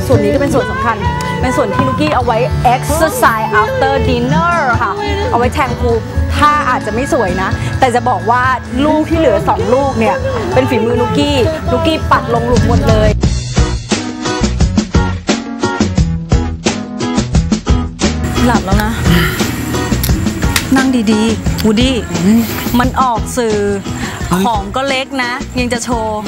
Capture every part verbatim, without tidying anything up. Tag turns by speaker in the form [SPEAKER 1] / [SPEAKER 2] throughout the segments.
[SPEAKER 1] ส่วนนี้ก็เป็นส่วนสำคัญเป็นส่วนที่นุกกี้เอาไว้ exercise after dinner ค่ะเอาไว้แทงพูถ้าอาจจะไม่สวยนะแต่จะบอกว่าลูกที่เหลือสองลูกเนี่ยเป็นฝีมือนุกกี้นุกกี้ปัดลงหลุมหมดเลยหลับแล้วนะนั่งดีๆวูดี้มันออกสื่อของก็เล็กนะยังจะโชว์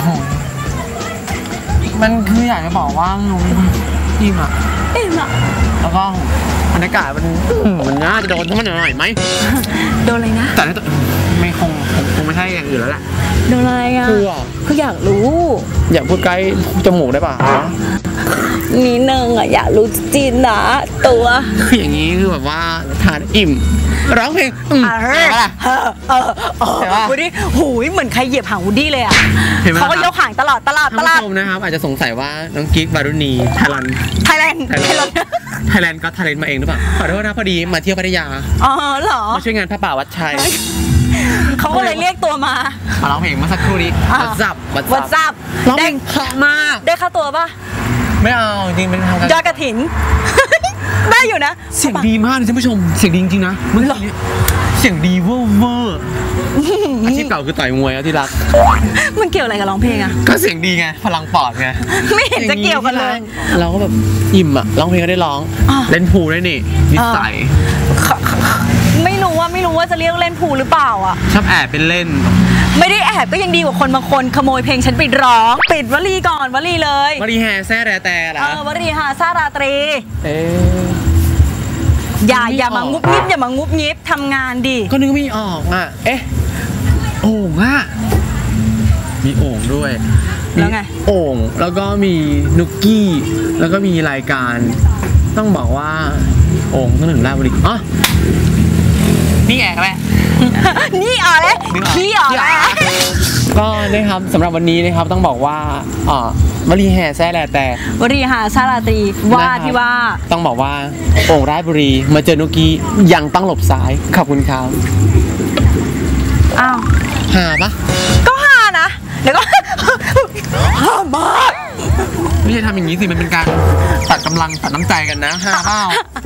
[SPEAKER 2] มันคืออยากจะบอกว่าลุงอิ่มอ่ะ
[SPEAKER 1] อิ่มอ่ะ
[SPEAKER 2] แล้วก็บรรยากาศมันมันน่าจะโดนทั้งมันหน่อยไหม
[SPEAKER 1] โดนอะไรนะ
[SPEAKER 2] แต่ไม่คงคงไม่ใช่อย่างอื่นแล้วแหละ
[SPEAKER 1] โดนอะไรอ่ะ
[SPEAKER 2] คือ
[SPEAKER 1] คืออยากรู้
[SPEAKER 2] อยากพูดใกล้จมูกได้ป่ะ
[SPEAKER 1] นิดนึงอ่ะอยากรู้จริงนะตัว
[SPEAKER 2] คืออย่างนี้คือแบบว่าทานอิ่มร้องเพลงอืมเห็นปะล่ะเออเออ
[SPEAKER 1] วูดดี้หูยเหมือนใครเหยียบหางวูดดี้เลยอ่ะเขาก็ยกหางตลอดตลอดตลอด
[SPEAKER 2] ท่านผู้ชมนะครับอาจจะสงสัยว่าน้องกิ๊กบารุณีไทยแลนด์
[SPEAKER 1] ไทยแลนด์ไทยแลนด์
[SPEAKER 2] ไทยแลนด์ก็ไทยแลนด์มาเองหรือเปล่าขอโทษนะพอดีมาเที่ยวพัทยา
[SPEAKER 1] อ๋อเหรอ
[SPEAKER 2] มาช่วยงานพระป่าวัดชัย
[SPEAKER 1] เขาก็เลยเรียกตัวมา
[SPEAKER 2] มาร้องเพลงเมื่อสักครู่นี้วัดซับ
[SPEAKER 1] วัดซับ
[SPEAKER 2] ได้เพราะมาก
[SPEAKER 1] ได้ค่าตัวป่ะ
[SPEAKER 2] ไม่เอาจริงเป็นทางการ
[SPEAKER 1] ยอดกระถิ่นได้อยู่นะ
[SPEAKER 2] เสียงดีมากเลยท่านผู้ชมเสียงดีจริงๆนะเมื่อกี้เสียงดีเวอร์เวอร์อาชีพเก่าคือต่อยมวยอะที่รัก
[SPEAKER 1] มันเกี่ยวอะไรกับร้องเพลงอะ
[SPEAKER 2] ก็เสียงดีไงพลังปอดไง
[SPEAKER 1] ไม่เห็นจะเกี่ยวกันเลย
[SPEAKER 2] เราก็แบบอิ่มอะร้องเพลงก็ได้ร้องเล่นพูลได้นี่นิสัย
[SPEAKER 1] ไม่รู้ว่าไม่รู้ว่าจะเรียกเล่นพูลหรือเปล่าอะ
[SPEAKER 2] ชอบแอบเป็นเล่น
[SPEAKER 1] ไม่ได้แอบก็ยังดีกว่าคนบางคนขโมยเพลงฉันไปร้องปิดวลีก่อนวลีเลยว
[SPEAKER 2] ลีแห่แซ่แรแต่ละ
[SPEAKER 1] เออวลีหาซาราตรี
[SPEAKER 2] เออ
[SPEAKER 1] อย่าอย่ามางุบงิบอย่ามางุบงิบทำงานดิ
[SPEAKER 2] ก็นึกไม่ออกอ่ะเอ๊ะโอ่งอ่ะมีโอ่งด้วย
[SPEAKER 1] แล้วไง
[SPEAKER 2] โอ่งแล้วก็มีนุกกี้แล้วก็มีรายการต้องบอกว่าโอ่งต้องหนึ่งราชบุรีอ๋อนี่แอบไหม
[SPEAKER 1] นี่อ๋อเลยขี้อ๋อเลย
[SPEAKER 2] ก็นะครับสำหรับวันนี้นะครับต้องบอกว่าอ๋อวลีแห่แซ่แลแต่
[SPEAKER 1] วลีหาซาราตรีว่าที่ว่า
[SPEAKER 2] ต้องบอกว่าโอ่งราชบุรีมาเจอนุกกี้ยังต้องหลบซ้ายขอบคุณครับ
[SPEAKER 1] อ้าว
[SPEAKER 2] หาปะ
[SPEAKER 1] ก็หานะเดี๋ยวก็หามาก
[SPEAKER 2] ไม่ใช่ทำอย่างนี้สิมันเป็นการตัดกำลังตัดน้ำใจกันนะหาเปล่า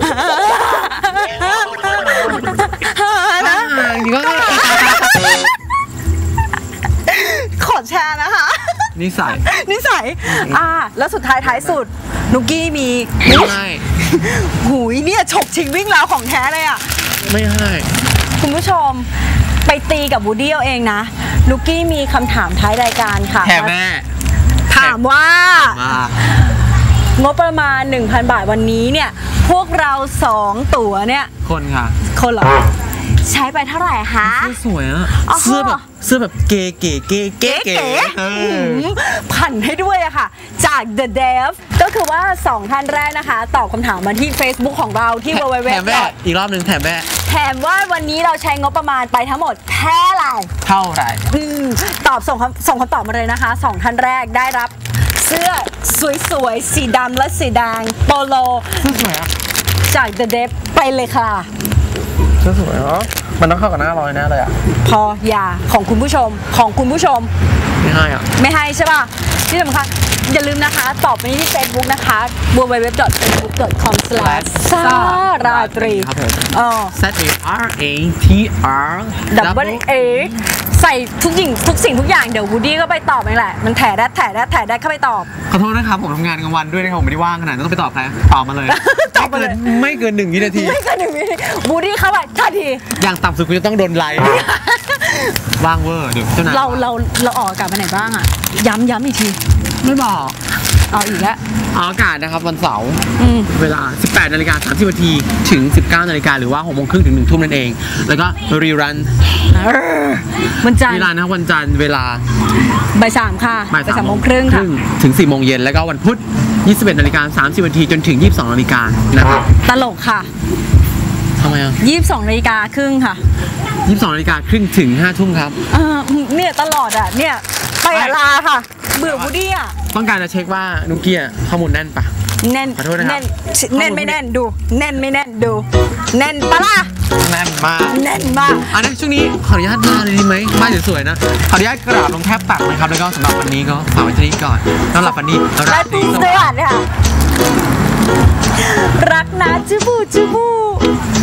[SPEAKER 1] นะจริงก็ขอแชร์นะคะ
[SPEAKER 2] นิสัย
[SPEAKER 1] นิสัยอ่าแล้วสุดท้ายท้ายสุดนุกกี้มี
[SPEAKER 2] ไม่ให้
[SPEAKER 1] หูยเนี่ยฉกชิงวิ่งแล้วของแท้เลยอ่ะ
[SPEAKER 2] ไม่ให้
[SPEAKER 1] คุณผู้ชมไปตีกับวูดดี้เอาเองนะนุกกี้มีคำถามท้ายรายการค่ะ
[SPEAKER 2] แถมแม่
[SPEAKER 1] ถามว่างบประมาณ หนึ่งพัน บาทวันนี้เนี่ยพวกเราสองตั๋วเนี่ย
[SPEAKER 2] คนค่ะ
[SPEAKER 1] คนเหรอใช้ไปเท่าไหร่คะ
[SPEAKER 2] เสื้อสวยอะเสื้อแบบเสื้อแบบเก๋เก๋เก๋เก๋เก๋
[SPEAKER 1] ผันให้ด้วยอะค่ะจาก The Dev ก็คือว่าสองท่านแรกนะคะตอบคำถามมาที่ Facebook ของเราที่ ดับเบิลยู ดับเบิลยู ดับเบิลยู
[SPEAKER 2] แถมแม่อีกรอบหนึ่งแถมแม่
[SPEAKER 1] แถมว่าวันนี้เราใช้งบประมาณไปทั้งหมดเท่าไหร่
[SPEAKER 2] เท่าไหร่
[SPEAKER 1] ตอบส่งคำส่งคำตอบมาเลยนะคะสองท่านแรกได้รับเสื้อสวยๆสีดำและสีแดงโปโล
[SPEAKER 2] เสื้อสวยอะ
[SPEAKER 1] จาก The Dev ไปเลยค่ะ
[SPEAKER 2] เสื้อสวยเหรอมันต้องเข้ากับหน้าร้อยแน่เลยอ่ะ
[SPEAKER 1] พออย่าของคุณผู้ชมของคุณผู้ชม
[SPEAKER 2] ไม่ให้อ่ะ
[SPEAKER 1] ไม่ให้ใช่ป่ะที่สำคัญอย่าลืมนะคะตอบไปที่ Facebook นะคะ ดับเบิลยู ดับเบิลยู ดับเบิลยู ดอท เฟซบุ๊ก ดอท คอม สแลช ซาราตรี
[SPEAKER 2] ครับผม
[SPEAKER 1] อ๋อ
[SPEAKER 2] Z A R A T R
[SPEAKER 1] double A ใส่ทุกสิ่งทุกสิ่งทุกอย่างเดี๋ยววูดดี้ก็ไปตอบเองแหละมันแถได้แถได้แถได้เข้าไปตอบ
[SPEAKER 2] ขอโทษนะครับผมทำงานกลางวันด้วยนะครับผมไม่ได้ว่างขนาดนั้นต้องไปตอบใครตอบมาเลย
[SPEAKER 1] ตอบมาเลย
[SPEAKER 2] ไม่เกินหนึ่งวินาที
[SPEAKER 1] ไม่เกินหนึ่งวินาทีวูดดี้เข้าไปทันที
[SPEAKER 2] อย่างต่ำสุดคุณจะต้องโดนไลค์ว่างเวอร์เดี๋ยวเจ้านาย
[SPEAKER 1] เราเราเราออกอากาศไปไหนบ้างอ่ะย้ำย้ำอีกที
[SPEAKER 2] ไม่บอก
[SPEAKER 1] เอาอีกแล้ว
[SPEAKER 2] ออกอากาศนะครับวันเสาร์เวลา สิบแปดนาฬิกาสามสิบนาทีถึง สิบเก้านาฬิกาหรือว่าหกโมงครึ่งถึงหนึ่งทุ่มนั่นเองแล้วก็รีรัน
[SPEAKER 1] วันจันทร์
[SPEAKER 2] รีรันนะวันจันทร์เวลา
[SPEAKER 1] บ่ายสามค่ะบ่ายสามโมงครึ่งค่ะ
[SPEAKER 2] ถึงสี่โมงเย็นแล้วก็วันพุธยี่สิบเอ็ดนาฬิกาสามสิบนาทีจนถึงยี่สิบสองนาฬิกานะครับ
[SPEAKER 1] ตลกค่ะ
[SPEAKER 2] ทำไมอ่ะ
[SPEAKER 1] ยี่สิบสองนาฬิกาครึ่งค่ะ
[SPEAKER 2] ยี่สิบสองนาฬิกาครึ่งถึงห้าทุ่มครับ
[SPEAKER 1] เออเนี่ยตลอดอ่ะเนี่ยไปลาค่ะเบื่อวูดดี้อ่ะ
[SPEAKER 2] ต้องการจะเช็คว่านุกกี้ข้อมูลแน่นปะ
[SPEAKER 1] แน่นแน่นแน่นไม่แน่นดูแน่นไม่แน่นดูแน่นปะล่ะ
[SPEAKER 2] แน่นมาก
[SPEAKER 1] แน่นมาก
[SPEAKER 2] อันนี้ช่วงนี้ขออนุญาตมาเลยดีไหมบ้านสวยๆนะขออนุญาตกราบลงแทบตักนะครับแล้วก็สำหรับวันนี้ก็ฝากไว้ที่นี้ก่อนสำหรับวันนี้
[SPEAKER 1] ราตรีสวัสดิ์ค่ะรักนะจูบูจูบู